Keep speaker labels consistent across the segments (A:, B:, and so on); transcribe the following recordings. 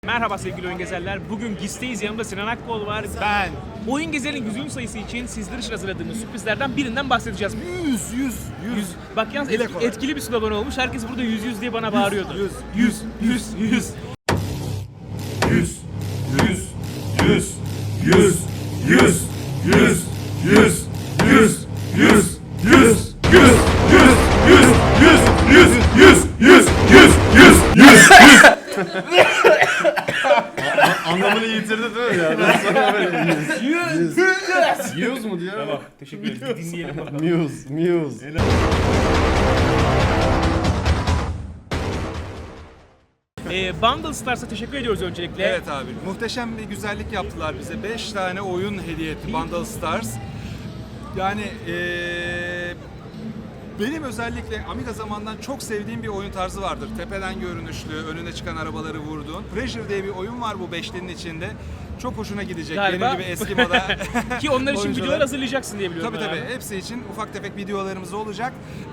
A: Merhaba sevgili oyun gezerler. Bugün GİS'teyiz. Yanımda Sinan Akkol var.
B: Ben.
A: Oyun gezerinin 100. sayısı için sizler için hazırladığımız sürprizlerden birinden bahsedeceğiz.
B: 100.
A: Bak yalnız etkili bir slogan olmuş. Herkes burada 100 diye bana bağırıyordu.
B: 100. Anlamını yitirdi değil mi ya? Ben sana böyle 100 mu diyor?
A: Tamam, teşekkür ederim. Dinleyelim bakalım.
B: Muse.
A: Bundle Stars'a teşekkür ediyoruz öncelikle.
B: Evet abi, muhteşem bir güzellik yaptılar bize. 5 tane oyun hediye etti Bundle Stars. Yani benim özellikle Amiga zamandan çok sevdiğim bir oyun tarzı vardır. Tepeden görünüşlü, önüne çıkan arabaları vurduğun. Pressure diye bir oyun var bu beşlinin içinde. Çok hoşuna gidecek.
A: Galiba.
B: Benim gibi eski moda
A: Ki onlar için
B: oyuncular.
A: videolar hazırlayacaksın diye biliyorum.
B: Tabii
A: ben.
B: hepsi için ufak tefek videolarımız olacak.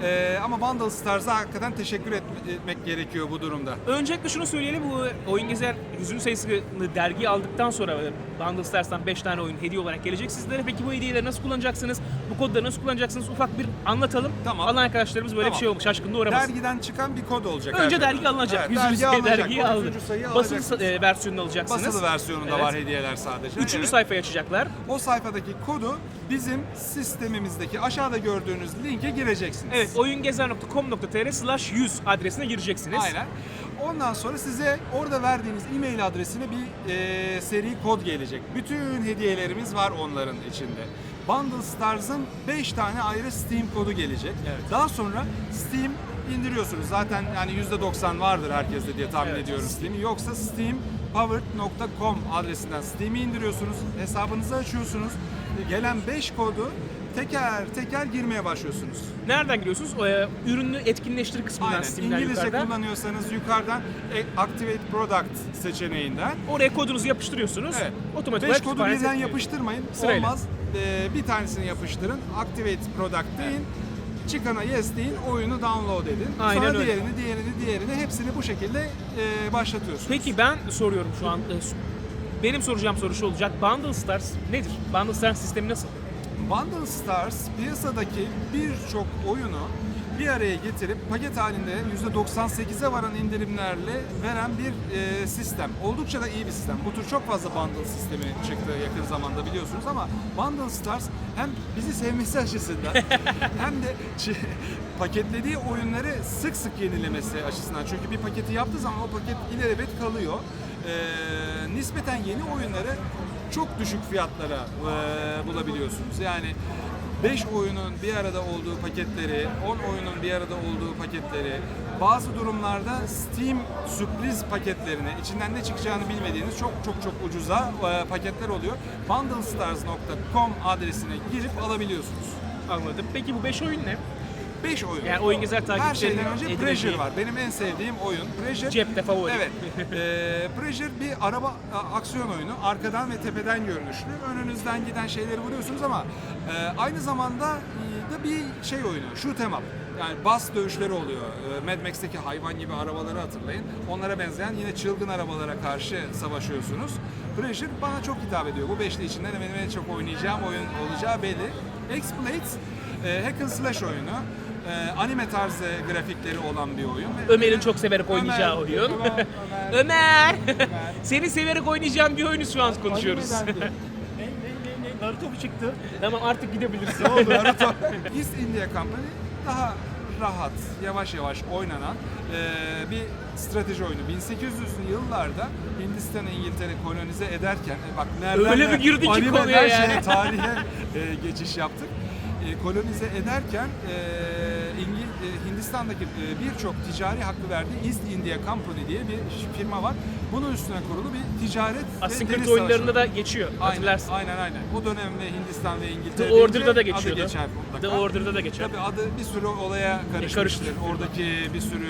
B: Ama Bundle Stars'a hakikaten teşekkür etmek gerekiyor bu durumda.
A: Öncelikle şunu söyleyelim, bu Oyun Gezer 100. sayısını dergiye aldıktan sonra Bundle Stars'tan 5 tane oyun hediye olarak gelecek sizlere. Peki bu hediyeleri nasıl kullanacaksınız? Bu kodları nasıl kullanacaksınız? Ufak bir anlatalım.
B: Tamam.
A: Alan arkadaşlarımız böyle bir şey olmuş, şaşkınlığa uğramasın.
B: Dergiden çıkan bir kod olacak.
A: Önce
B: her
A: dergi
B: zaman.
A: alınacak.
B: Evet,
A: 100. sayı dergiyi
B: 30.
A: aldık.
B: sayıyı
A: Basılı
B: alacaksınız.
A: versiyonunu alacaksınız.
B: Basılı versiyonunda
A: Evet.
B: var hediyeler sadece.
A: 3.
B: Evet.
A: sayfayı açacaklar.
B: O sayfadaki kodu bizim sistemimizdeki aşağıda gördüğünüz linke gireceksiniz.
A: Evet, oyungezer.com.tr/100 adresine gireceksiniz.
B: Aynen. Ondan sonra size orada verdiğiniz e-mail adresine bir seri kod gelecek. Bütün hediyelerimiz var onların içinde. Bundle Stars'ın 5 tane ayrı Steam kodu gelecek.
A: Evet.
B: Daha sonra Steam indiriyorsunuz. Zaten yani %90 vardır herkeste diye tahmin
A: Evet.
B: ediyorum Steam'i. Yoksa steampowered.com adresinden Steam'i indiriyorsunuz. Hesabınızı açıyorsunuz. Gelen 5 kodu teker teker girmeye başlıyorsunuz.
A: Nereden giriyorsunuz? Ürünü etkinleştir kısmından
B: Aynen.
A: Steam'den
B: İngilizce
A: yukarıdan.
B: kullanıyorsanız yukarıdan Activate Product seçeneğinden.
A: Oraya kodunuzu yapıştırıyorsunuz.
B: Evet.
A: Otomatik
B: 5
A: olarak
B: kodu
A: kütüphaneye
B: birden
A: sekliyor.
B: yapıştırmayın.
A: Sırayla.
B: Olmaz. Bir tanesini yapıştırın. Activate Product deyin. Çıkana yes deyin. Oyunu download edin.
A: Aynen
B: Sonra
A: öyle.
B: diğerini hepsini bu şekilde başlatıyorsunuz.
A: Peki ben soruyorum şu an. Benim soracağım soru şu olacak. Bundle Stars nedir? Bundle Stars sistemi nasıl?
B: Bundle Stars piyasadaki birçok oyunu bir araya getirip paket halinde %98'e varan indirimlerle veren bir sistem. Oldukça da iyi bir sistem. Bu tür çok fazla bundle sistemi çıktı yakın zamanda biliyorsunuz ama Bundle Stars hem bizi sevmesi açısından hem de paketlediği oyunları sık sık yenilemesi açısından. Çünkü bir paketi yaptığı zaman o paket ilelebet kalıyor. Nispeten yeni oyunları çok düşük fiyatlara bulabiliyorsunuz. Yani 5 oyunun bir arada olduğu paketleri, 10 oyunun bir arada olduğu paketleri, bazı durumlarda Steam sürpriz paketlerini, içinden ne çıkacağını bilmediğiniz çok ucuza paketler oluyor. bundlestars.com adresine girip alabiliyorsunuz.
A: Anladım. Peki bu 5 oyun ne?
B: 5 oyun.
A: Yani Oyun Gezer
B: Her
A: takipçilerinin
B: şeyden önce
A: edineceği-
B: Pressure var. Benim en sevdiğim oyun. Pressure.
A: Cepte favori.
B: Evet. Pressure bir araba aksiyon oyunu. Arkadan ve tepeden görünüşlü. Önünüzden giden şeyleri vuruyorsunuz ama aynı zamanda da bir şey oyunu. Shoot 'em up. Yani bas dövüşleri oluyor. Mad Max'teki hayvan gibi arabaları hatırlayın. Onlara benzeyen yine çılgın arabalara karşı savaşıyorsunuz. Pressure bana çok hitap ediyor. Bu beşli içinden benim en çok oynayacağım oyun olacağı belli. X-Blades hack and slash oyunu. Anime tarzı grafikleri olan bir oyun.
A: Ömer'in çok severek oynayacağı
B: Ömer,
A: oyun.
B: tamam,
A: Ömer! Seni severek oynayacağım bir oyunu şu an konuşuyoruz.
C: Naruto mu çıktı?
A: Tamam artık gidebilirsin.
B: Naruto. East India Company daha rahat, yavaş oynanan bir strateji oyunu. 1800'lü yıllarda Hindistan'ı İngiltere kolonize ederken bak nereden
A: Öyle bir girdi ki
B: animeden
A: konuya yani.
B: şeye, tarihe geçiş yaptık. Kolonize ederken Hindistan'daki birçok ticari hakkı verdiği East India Company diye bir firma var. Bunun üstüne kurulu bir ticaret
A: Assassin's
B: ve
A: Creed
B: deniz
A: oyunlarında
B: savaşı.
A: da geçiyor. Hatırlarsın.
B: Aynen. O dönemde Hindistan ve İngiltere
A: The Order'da da
B: deyince
A: geçiyordu.
B: adı geçer mutlaka.
A: The Order'da da geçer.
B: Tabii adı bir sürü olaya karışmıştır.
A: karıştır.
B: Oradaki bir sürü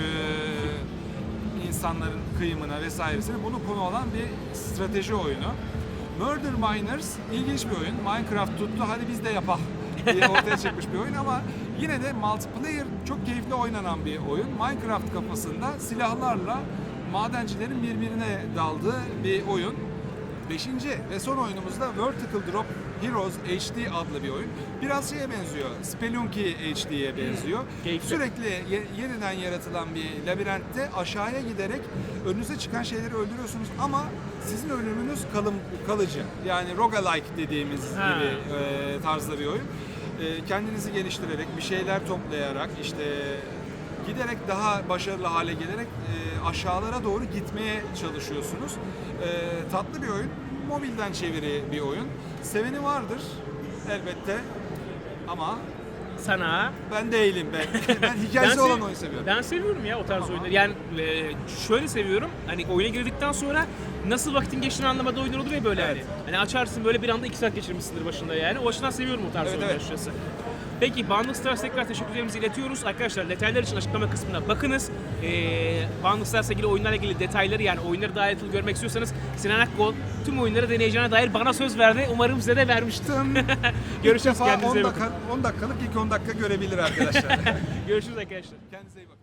B: insanların kıyımına vesairesine bunu konu olan bir strateji oyunu. Murder Miners ilginç bir oyun. Minecraft tuttu hadi biz de yapalım diye ortaya çıkmış bir oyun ama yine de multiplayer çok keyifli oynanan bir oyun. Minecraft kafasında silahlarla madencilerin birbirine daldığı bir oyun. 5. ve son oyunumuzda Vertical Drop Heroes HD adlı bir oyun. Biraz şeye benziyor, Spelunky HD'ye benziyor.
A: Keyifli.
B: Sürekli yeniden yaratılan bir labirentte aşağıya giderek önünüze çıkan şeyleri öldürüyorsunuz ama sizin ölümünüz kalıcı. Yani roguelike dediğimiz
A: Ha.
B: gibi tarzda bir oyun. Kendinizi geliştirerek, bir şeyler toplayarak, işte giderek daha başarılı hale gelerek aşağılara doğru gitmeye çalışıyorsunuz. Tatlı bir oyun, mobilden çeviri bir oyun. Seveni vardır elbette ama
A: Sana
B: ben değilim ben. Ben hikayesi olan oyun seviyorum.
A: Ben seviyorum ya o tarz
B: Tamam.
A: oyunları. Yani şöyle seviyorum. Hani oyuna girdikten sonra nasıl vaktin geçtiğini anlamadığı oyunlar olur ya böyle
B: Evet.
A: hani açarsın böyle bir anda 2 saat geçirmişsindir başında yani. O açıdan seviyorum o tarz
B: Evet,
A: oyunları
B: evet.
A: açıkçası. Peki Bundle Stars tekrar teşekkürlerimizi iletiyoruz. Arkadaşlar detaylar için açıklama kısmına bakınız. Bundle Stars'la ilgili oyunlarla ilgili detayları yani oyunları daha ayrıntılı görmek istiyorsanız Sinan Akkol tüm oyunları deneyeceğine dair bana söz verdi. Umarım size de vermiştir. Görüşürüz,
B: İlk defa
A: kendinize iyi
B: 10
A: bakın.
B: dakikalık ilk 10 dakika görebilir arkadaşlar.
A: Görüşürüz arkadaşlar.
B: Kendinize iyi bakın.